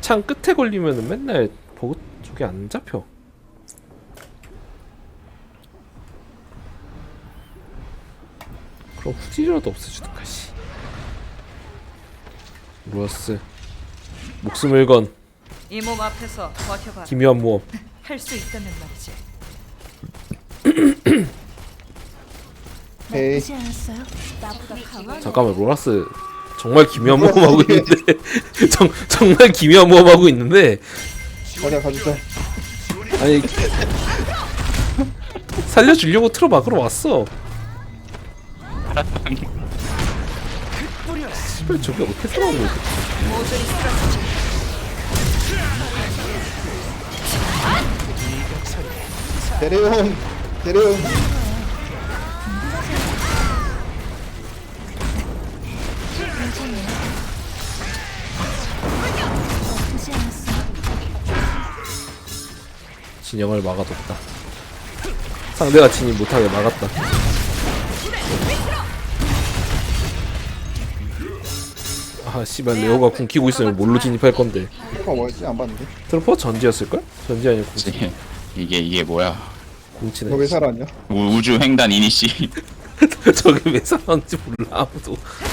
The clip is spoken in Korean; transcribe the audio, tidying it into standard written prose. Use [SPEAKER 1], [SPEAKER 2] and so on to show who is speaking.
[SPEAKER 1] 창 끝에 걸리면은 맨날 보고 저게 안 잡혀. 그럼 후지라도 없애주든가 씨. 루어스 목숨을 건
[SPEAKER 2] 이 몸 앞에서 버텨봐.
[SPEAKER 1] 기묘한 모험.
[SPEAKER 2] 할 수 있다면 말이지.
[SPEAKER 3] 에이
[SPEAKER 4] 나쁘지 않았어요? 나보다 강한
[SPEAKER 1] 잠깐만 로라스 정말 기묘한 모험 하고 있는데 정말 기묘한 모험 하고 있는데
[SPEAKER 3] 가자 가주자.
[SPEAKER 1] 아니 살려주려고 틀어 막으러 왔어. 씨발 저게 어떻게 살아오는 거지?
[SPEAKER 2] 모조리 쓰러지지.
[SPEAKER 3] 데려온 데려온.
[SPEAKER 4] 나쁘지 않았어요?
[SPEAKER 1] 진영을 막아뒀다. 상대가 진입 못하게 막았다. 아 씨발 레오가 궁 키고 있으면 뭘로 진입할 건데.
[SPEAKER 3] 뭐가 뭐였지 안 봤는데.
[SPEAKER 1] 트로퍼 전지였을걸? 전지 아니고 궁,
[SPEAKER 5] 그치. 이게 뭐야?
[SPEAKER 1] 궁치네.
[SPEAKER 3] 너 왜 살았냐?
[SPEAKER 5] 우주 횡단 이니시.
[SPEAKER 1] 저게 왜 살았는지 몰라 아무도.